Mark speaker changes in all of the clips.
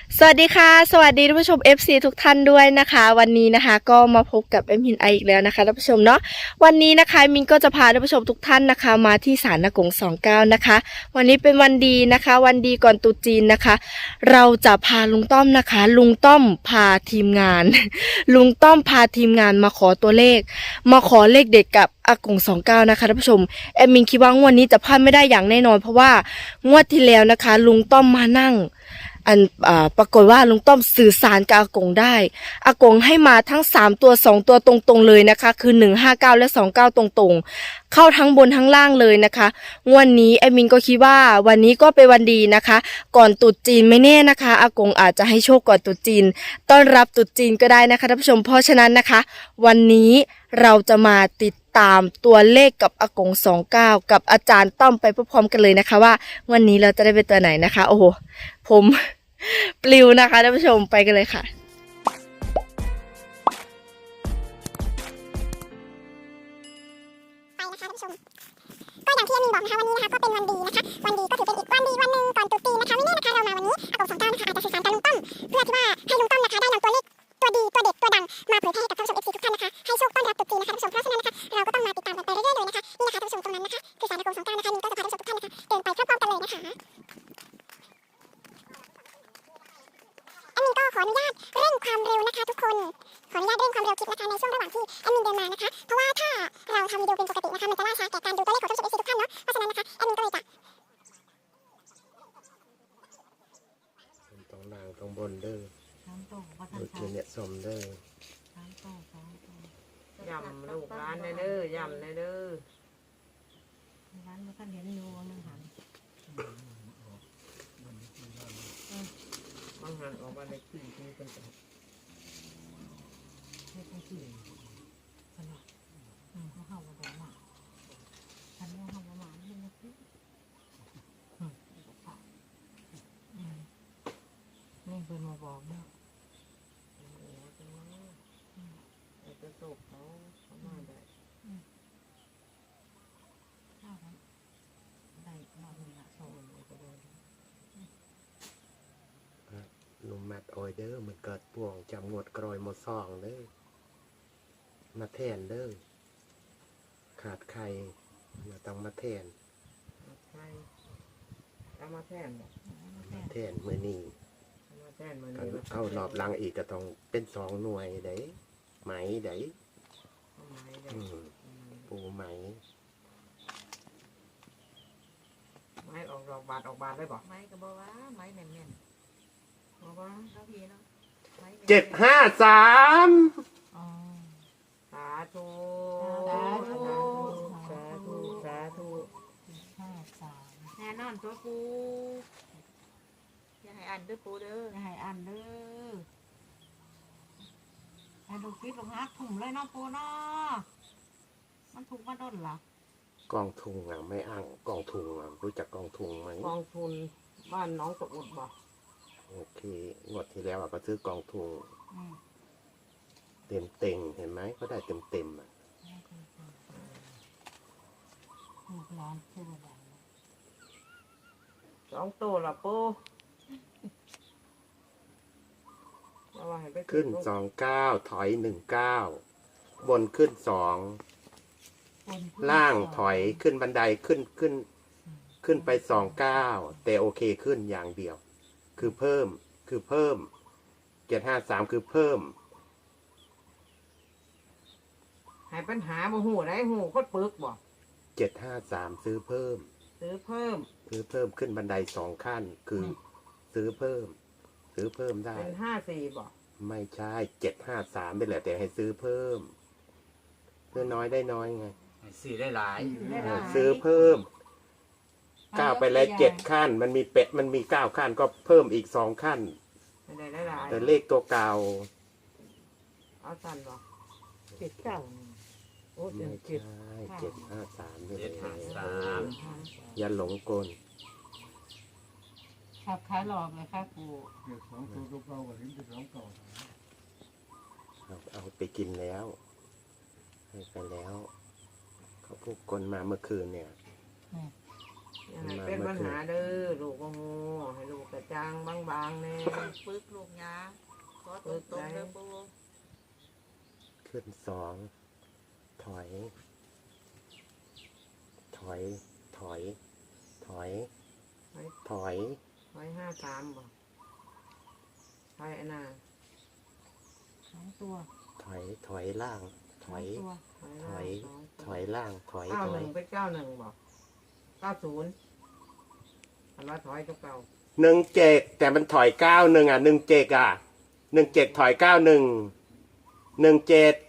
Speaker 1: สวัสดีค่ะสวัสดีท่านผู้ชม FC ทุกท่านด้วยนะคะวันนี้นะคะก็มาพบกับเอ็มฮินไออีกแล้วนะคะท่านผู้ชมเนาะวันนี้นะคะมินก็จะพาท่านผู้ชมทุกท่านนะคะมาที่ศาลนกง29นะคะวันนี้เป็นวันดีนะคะวันดีก่อนตรุษจีนนะคะเราจะพาลุงต้อมนะคะลุงต้อมพาทีมงาน ลุงต้อมพาทีมงานมาขอตัวเลขมาขอเลขเด็ดกับอากง29นะคะท่านผู้ชมเอ็มมินคิดว่างวดนี้จะพลาดไม่ได้อย่างแน่นอนเพราะว่างวดที่แล้วนะคะลุงต้อมมานั่งปรากฏว่าลุงต้อมสื่อสารกับอากงได้อากงให้มาทั้ง3ตัว2ตัวตรงๆเลยนะคะคือ159และ29ตรงๆเข้าทั้งบนทั้งล่างเลยนะคะวันนี้แอดมินก็คิดว่าวันนี้ก็เป็นวันดีนะคะก่อนตรุษจีนไม่แน่นะคะอากงอาจจะให้โชคก่อนตรุษจีนต้อนรับตรุษจีนก็ได้นะคะท่านผู้ชมเพราะฉะนั้นนะคะวันนี้เราจะมาติดตามตัวเลขกับอากง29กับอาจารย์ต้อมไปพร้อมๆกันเลยนะคะว่าวันนี้เราจะได้เป็นตัวไหนนะคะโอ้โหผมปลิวนะคะท่านผู้ชมไปกันเลยค่ะ
Speaker 2: ไปนะคะท่านผู้ชมก็อย่างที่อามีบอกนะคะวันนี้นะคะก็เป็นวันดีนะคะวันดีก็ถือเป็นอีกวันดีวันหนึ่งก่อนตรุษจีนนะคะไม่แน่นะคะเรามาวันนี้อากง29นะคะอาจจะสื่อสารกับลุงต้อมเพื่อที่ว่าให้ลุงต้อมนะคะได้นำตัวเลขตัวดีตัวเด็ดตัวดังมาเผยแพร่ให้กับท่านผู้ชม FC ทุกท่านนะคะให้โชคต้อนรับตรุษจีนนะคะท่านผู้ชมเพราะฉะนั้นนะคะเราก็ต้องมาติดตามกันไปเรื่อยๆเลยนะคะนี่นะคะท่านผู้ชมตรงนั้นนะคะคือศาลอากง29นะคะมินก็จะพาท่านผู้ชมทุกท่านนะคะเดินไปพร้อมๆกันเลยนะคะแอดมินก็ขออนุญาตเร่งความเร็วนะคะทุกคนขออนุญาตเร่งความเร็วคลิปนะคะในช่วงระหว่างที่แอดมินเดินมานะคะเพราะว่าถ้าเราทำวิดีโอเป็นปกตินะคะมันจะล่าช้าแก่การดูตัวเลขของท่านผู้ชม FC ทุกท่านเนาะเพราะฉะนั้นนะคะแอดมินก็เลยจะ
Speaker 3: ตรงล่างตรงบนเด้อดูจีเนี่ยสมเด้อยำลูกร้านเด้อยำเด้อ
Speaker 4: ร้านมันก็เลี้ยงดูมันหัน
Speaker 3: มันหันออกมาในที่ที่เป็นตัว
Speaker 4: ให้เขาขี่กันหรอเขาเข้ามาบอกว่าฉันว่าเข้ามาเรื่องนี้นี่เป็นมาบอกเนาะ
Speaker 3: จะตกเขามาได้
Speaker 4: ข้าวได้นอนละโซ่ก็โดน
Speaker 3: ลุมมัดออยเด้อมันเกิดป่วงจำงวดกรอยหมดซองเด้อมาแทนเด้อขาดไข่มาต้องมาแทน
Speaker 5: ใช่เอามาแทน
Speaker 3: มาแทนมือนี้
Speaker 5: มาแทนมือ
Speaker 3: กัน
Speaker 5: นี้
Speaker 3: เอารอบหลังอีกก็ต้องเป็น2 หน่วยได้ไหมได้ปูไหม
Speaker 5: ไม้ออกดอกบาทออกบาทได้บ่
Speaker 4: ไม้ก็บอกว่าไม้แน่น
Speaker 5: บอกว่า
Speaker 4: ๆเขาพี่เนาะ
Speaker 3: 753
Speaker 4: อ๋อ
Speaker 5: สาธุ
Speaker 4: สาธุ
Speaker 5: สาธุสาธุ
Speaker 4: 53
Speaker 6: แน่นอนตัวปูอย่าให้อ่านด้วยปูเด้อ
Speaker 4: จะให้อ่านเด้อให้ลูกคิดลูกฮักถุ่มเลยเนาะปูเนาะมันถูกมาด้นเหรอก
Speaker 3: องทุงอ่ะไม่อ้างกองทุงอ่ะรู้จักกองทุงไหม
Speaker 5: กองทุนบ้านน้องตะอุดบ่
Speaker 3: โอเคงวดที่แล้วก็ซื้อกองทุง
Speaker 4: อืม
Speaker 3: เต็มเต็งเห็นไหมก็ได้เต็มเต็มอ่ะ
Speaker 4: ลูกร้านซื้ออะไร
Speaker 5: 2 ตัวละปูเอาไว้ให้ไป
Speaker 3: ขึ้น29ถอย19บนขึ้น2ล่างถอยขึ้นบันไดขึ้นไป29แต่โอเคขึ้นอย่างเดียว คือเพิ่ม753คือเพิ่ม
Speaker 5: ให้ปัญหาบ่หูได้หูโคตรปึกบ่
Speaker 3: 753ซื้อเพิ่ม
Speaker 5: ซื้อเพิ่ม
Speaker 3: ขึ้นบันได2 ขั้นคือซื้อเพิ่มได้
Speaker 5: เป็น54บ่
Speaker 3: ไม่ใช่753ได้แหละแต่ให้ซื้อเพิ่มเพื่อน้อยได้น้อยไง
Speaker 7: ซื้อได้หลาย
Speaker 3: ซื้อเพิ่มก้าวไปแล้ว7 ขั้นมันมี9 ขั้นก็เพิ่มอีก2 ขั้น
Speaker 5: ไม่ได้หลาย
Speaker 3: แต่เลขตัวเก่า
Speaker 5: เอาสั่นบ่
Speaker 4: 79โอ้
Speaker 3: ไม่
Speaker 4: เจ็ด
Speaker 3: ใช่753นี่แหละ
Speaker 7: 753
Speaker 3: อย่าหลงกล
Speaker 4: ครับขายหลอกเลยค่ะปู
Speaker 3: เอาไปกินแล้วให้ไปแล้วเขาพวกคนมาเมื่อคืนเนี่ย
Speaker 4: นี่
Speaker 5: อย่าให้เป็นปัญหาเด้อลูกบ่ฮู้ให้ลูกกระจ่างบางๆแน่
Speaker 6: ปึกลูกยาขอตรงตรงๆเด้อปู
Speaker 3: ขึ้นสองถอย ถอย ถอย ถอย ถอย
Speaker 5: ไว้53บ่ไว้อันน่ะ
Speaker 4: 2 ตัว
Speaker 3: ถอย ถอยล่าง ถอย
Speaker 4: ตัว
Speaker 3: ถอย ถอยล่าง ถอย ถอย
Speaker 5: 91เป็น91บ่90อันว่าถอยกับเก่า
Speaker 3: หนึ่งเจกแต่มันถอยเก้าหนึ่งอ่ะหนึ่งเจกอ่ะหนึ่งเจกถอยเก้าหนึ่งหนึ่งเจ็ด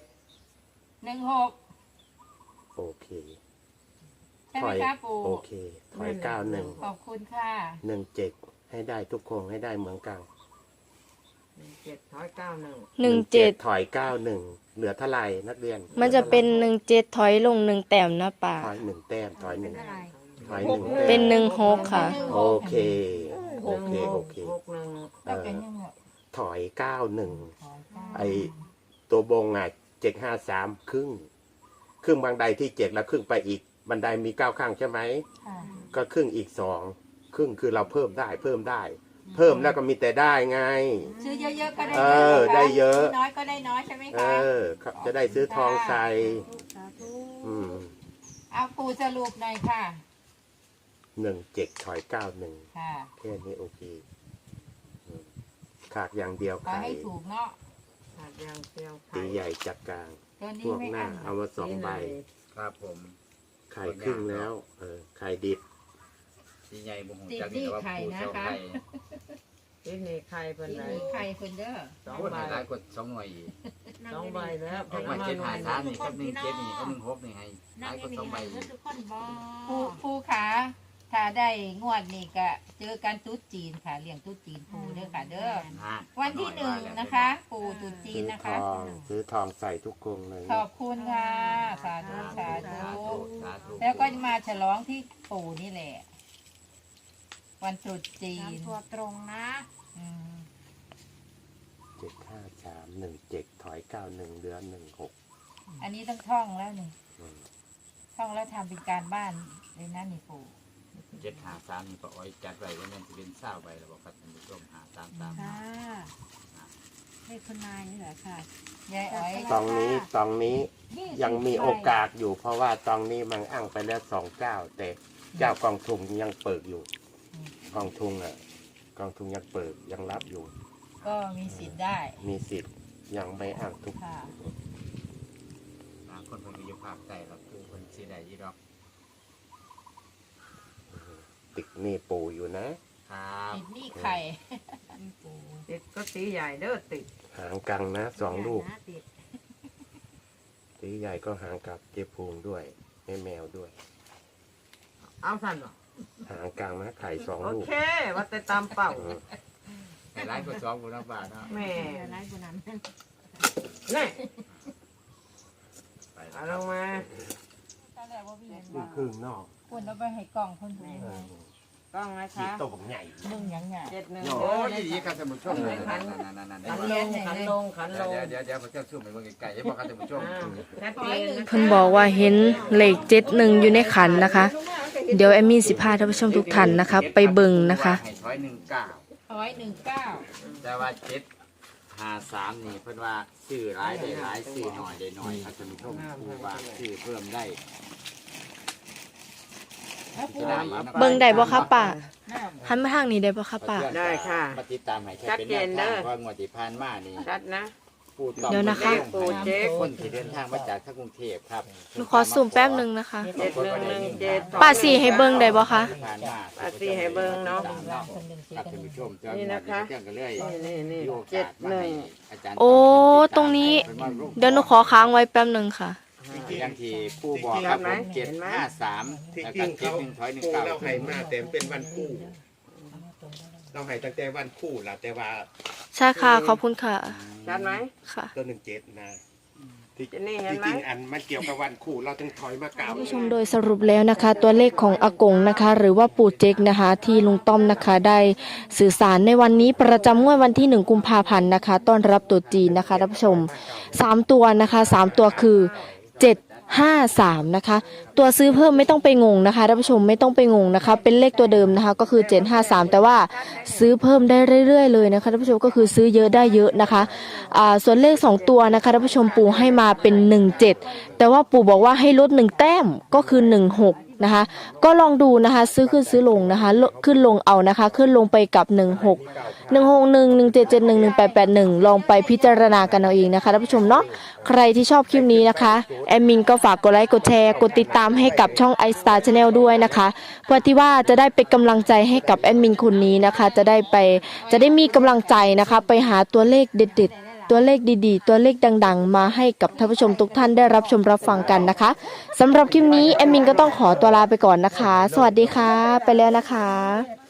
Speaker 4: 16
Speaker 3: โอเค
Speaker 4: ใช่ไหมคะปู่
Speaker 3: โอเค ถอยเก้าหนึ่ง
Speaker 4: ขอบคุณค่ะ
Speaker 3: หนึ่งเจกให้ได้ทุกโคงให้ได้เหมือนกัน
Speaker 5: 17ถอย91
Speaker 1: 17
Speaker 3: ถอยเก้าหนึ่งเหลือเท่าไหร่นักเรียน
Speaker 1: มันจะเป็น17ถอยลง1แต้มนะป่า
Speaker 3: ถอยหนึ่งแต้มถอยหนึ่ง
Speaker 4: อะไร
Speaker 3: ถอยหนึ่งแต้ม
Speaker 1: เป็น16ค่ะ
Speaker 3: โอเค โอเค โอเค
Speaker 5: 61
Speaker 4: แล้วเป็นยังไง
Speaker 3: ถอยเก้าหนึ่ง
Speaker 4: ขอจ้า
Speaker 3: ไอตัวบงอ่ะ753ครึ่งครึ่งบางใดที่เจ็ดแล้วครึ่งไปอีกบันไดมี9ข้างใช่ไหม
Speaker 4: ค่ะ
Speaker 3: ก็ครึ่งอีก2ครึ่งคือเราเพิ่มได้ เพิ่มได้ เพิ่มแล้วก็มีแต่ได้ไง
Speaker 4: ซื้อเยอะๆก็ได้
Speaker 3: เอ
Speaker 4: เย
Speaker 3: อ
Speaker 4: อะ
Speaker 3: ได้เยอะ
Speaker 4: น้อยก็ได้น้อยใช่ไหม
Speaker 3: เอ
Speaker 4: คะ
Speaker 3: อครับจะได้ซื้อทองใส่
Speaker 4: สาธุ
Speaker 3: อืม
Speaker 4: เอาปู่สรุปหน่อยค่ะ
Speaker 3: 1 7ถอย91
Speaker 4: ค่ะ
Speaker 3: แค่นี้โอเคอืมขาดอย่างเดียว
Speaker 4: ขอ
Speaker 3: ไข่
Speaker 4: ให้ถูกเนาะ
Speaker 5: ขาดยางเซียว
Speaker 3: ตีใหญ่จัดกลาง
Speaker 4: ตัว
Speaker 3: พ
Speaker 4: นี้
Speaker 3: วก
Speaker 4: ไม่
Speaker 3: หน้า
Speaker 4: อัน
Speaker 3: เอามา2ใบ
Speaker 7: ครับผม
Speaker 3: ไข่ครึ่งแล้ว ไข่ดิบ
Speaker 7: สีใหญ่บุหงจักนี่แต่ว่าปูเจ้าไข่
Speaker 5: ที่นี่ใครเป็น
Speaker 4: ที่
Speaker 5: ไร
Speaker 4: มีไข่คนเด้อ
Speaker 5: 2
Speaker 7: พูด
Speaker 5: ใบ
Speaker 7: ให้หลายกด2หน่วยอีก
Speaker 5: 2ใบแล้ว
Speaker 7: ออกมา753นี่กับ17นี่กับ16นี่ให้หลายกด2ใบอีก
Speaker 6: ทุกคนบอ
Speaker 4: ปู่ขาถ้าได้งวดนี่ก็เจอกันตุ๊ดจีนค่ะเลี้ยงตุ๊ดจีนปู่เด้อค่ะเด้อ
Speaker 7: อ่ะ
Speaker 4: วันที่1นะคะ ปู่ตุ๊ดจีน
Speaker 3: ซื้อ
Speaker 4: นะ
Speaker 3: ท
Speaker 4: คะ
Speaker 3: องซื้อทองใส่ทุกกรงเลย
Speaker 4: ขอบคุณค่ะสาธุสาธุ
Speaker 7: สาธุ
Speaker 4: แล้วก็มาฉลองที่ปู่นี่แหละ วันตรุษจีน
Speaker 6: ตัวตรงนะ
Speaker 4: อืม
Speaker 3: 753 17ถอย91เหลือ16
Speaker 4: อันนี้ต้องท่องแล้วนี่ท่องแล้วทำเป็นการบ้านเลยนะนี่ปู่
Speaker 7: 753นี่ป้าอ้อยจัดไว้ว่ามันสิเป็น20ใบแล้วบ่ครับท่านผู้ชม533
Speaker 6: ค่ะให้คุณนายนี่แหละค่ะ
Speaker 4: ยายอ๋อย
Speaker 3: ตองนี้ยังมีโอกาสอยู่ เพราะว่าตองนี้มันอั้งไปแล้ว2เจ้าแต่เจ้ากองทุนยังเปิดอยู่กองทุนยังเปิดยังรับอยู่
Speaker 4: ก็มีสิทธิ์ได้
Speaker 3: มีสิทธิ์ยังไม่อั้งทุก
Speaker 4: ค่ะ
Speaker 7: คนเพิ่นก็อยู่ภาคใต้แล้วปูเพิ่นสิได้อีดอก
Speaker 3: ติดหนี่ปูอยู่นะ
Speaker 7: ครับ
Speaker 4: ติดหนี่ไข่
Speaker 5: ติดก็ตีใหญ่เด้อติด
Speaker 3: หางกังนะ2ลูก
Speaker 6: นะติด
Speaker 3: ตีใหญ่ก็หางกับเจพูงด้วยให้แมวด้วย
Speaker 5: เอาสั่นเหรอ
Speaker 3: หางกังนะไข่2
Speaker 5: โอ
Speaker 3: ลูก
Speaker 5: เคว่าแต่ตามเป่า
Speaker 7: ให้หลายกด2บ่นะบาทเนาะ
Speaker 5: แม่
Speaker 6: เดี๋ยวไล่บุนั้น
Speaker 5: นี่
Speaker 7: ไปแล้
Speaker 5: เอา
Speaker 7: ว
Speaker 5: ลงมา
Speaker 4: ตอนแรกว่าพี่เห็น
Speaker 3: นี่
Speaker 4: ว่า
Speaker 3: คือนอก
Speaker 4: ควรเอาไปให้กล่องคนดู
Speaker 5: กล้องนะ
Speaker 3: ขี
Speaker 5: คะ
Speaker 3: ดโตใหญ่
Speaker 4: มึงยังไง
Speaker 5: 71
Speaker 7: โอ้ยดีครับท่านผู้ชมนั่น
Speaker 5: ขันลงขันลงขันลง
Speaker 7: เดี๋ยวผมจะซูมไปเบิ่งไกลๆให้บอกครับท่านผู้ชม
Speaker 5: ชัดเจนนะ
Speaker 1: เพิ่นบอกว่าเห็นเลข71อยู่ในขันนะคะ เดี๋ยวแอมมี่สิพาท่านผู้ชมทุกท่านนะคะ ไปเบิ่งนะคะ
Speaker 7: ให้ถอย19
Speaker 4: 119
Speaker 7: แต่ว่า753นี่เพิ่นว่าซื้อหลายได้หลายซื้อน้อยได้น้อยครับท่านผู้ชมผู้ว่าซื้อเพิ่มได้
Speaker 1: เบิ่งได้บ่คะป้าหันมาทางนี้ได้บ่คะป้า
Speaker 5: ได้ค่ะ
Speaker 7: ปฏิดตามให้แค่
Speaker 5: ชัด
Speaker 7: เป็น
Speaker 5: เจ
Speaker 7: แนวน
Speaker 5: เด้
Speaker 7: ทาง
Speaker 5: อ
Speaker 7: ว่างวดที่ผ่านมานี่
Speaker 5: ชัดนะ
Speaker 7: ผู้ตอบ
Speaker 1: เดี๋ยวนะคะ
Speaker 5: ปูเจ๊ก
Speaker 7: คนที่เดินทางมาจากทางกรุงเทพครับ
Speaker 1: หนูขอซูมแป๊บหนึงนะคะ
Speaker 5: 7117
Speaker 1: ป้าสีให้เบิ่งได้บ่คะ
Speaker 7: ผ่านมา
Speaker 5: ป้าสีให้เบิ่งเนาะ
Speaker 7: ครับท่านผู้ชมเจ้า
Speaker 5: นี่นะคะ
Speaker 7: เจ้ากันเลย
Speaker 5: นี่
Speaker 7: มีโอกาสมาให้อาจารย์
Speaker 1: โอ้ตรงนี้ เดี๋ยวหนูขอค้างไว้แป๊บหนึงค่ะ
Speaker 7: อย่างที่ผู้บอกครับผม753
Speaker 3: ที่
Speaker 7: แล้ว
Speaker 3: จ
Speaker 7: ก็
Speaker 3: ริงเขา
Speaker 7: 71ถอย
Speaker 3: ปูเราให้
Speaker 7: 19
Speaker 3: มาแต่เป็นวันคู่ เราให้ตั้งแต่วันคู่ละแต่ว่า
Speaker 1: ใช่ค่ะ ขอบคุณค่ะ
Speaker 5: ชัดไหม
Speaker 1: ค่ะ
Speaker 3: ตัว17นะที่
Speaker 5: นี่เห็นไหม
Speaker 3: จริงอันมันเกี่ยวกับวันคู่เราต้องถอยมาเก่า
Speaker 1: ผู้ชมโดยสรุปแล้วนะคะ ตัวเลขของอากงนะคะ หรือว่าปู่เจกนะคะ ที่ลุงต้อมนะคะได้สื่อสารในวันนี้ประจำงวดวันที่1กุมภาพันธ์นะคะต้อนรับตรุษจีนนะคะท่านผู้ชม3ตัวนะคะ3ตัวคือ 753นะคะตัวซื้อเพิ่มไม่ต้องไปงงนะคะท่านผู้ชมไม่ต้องไปงงนะคะเป็นเลขตัวเดิมนะคะก็คือ753แต่ว่าซื้อเพิ่มได้เรื่อยๆเลยนะคะท่านผู้ชมก็คือซื้อเยอะได้เยอะนะคะส่วนเลข2ตัวนะคะท่านผู้ชมปู่ให้มาเป็น17แต่ว่าปู่บอกว่าให้ลด1แต้มก็คือ16นะคะก็ลองดูนะคะซื้อขึ้นซื้อลงนะคะขึ้นลงเอานะคะขึ้นลงไปกับ16 161 1771 1881ลองไปพิจารณากันเอาเองนะคะท่านผู้ชมเนาะใครที่ชอบคลิปนี้นะคะแอดมินก็ฝากกดไลค์กดแชร์กดติดตามให้กับช่อง iStar Channel ด้วยนะคะเพื่อที่ว่าจะได้เป็นกำลังใจให้กับแอดมินคนนี้นะคะจะได้มีกำลังใจนะคะไปหาตัวเลขเด็ดๆตัวเลขดีๆตัวเลขดังๆมาให้กับท่านผู้ชมทุกท่านได้รับชมรับฟังกันนะคะสำหรับคลิปนี้แอดมินก็ต้องขอตัวลาไปก่อนนะคะสวัสดีค่ะไปแล้วนะคะ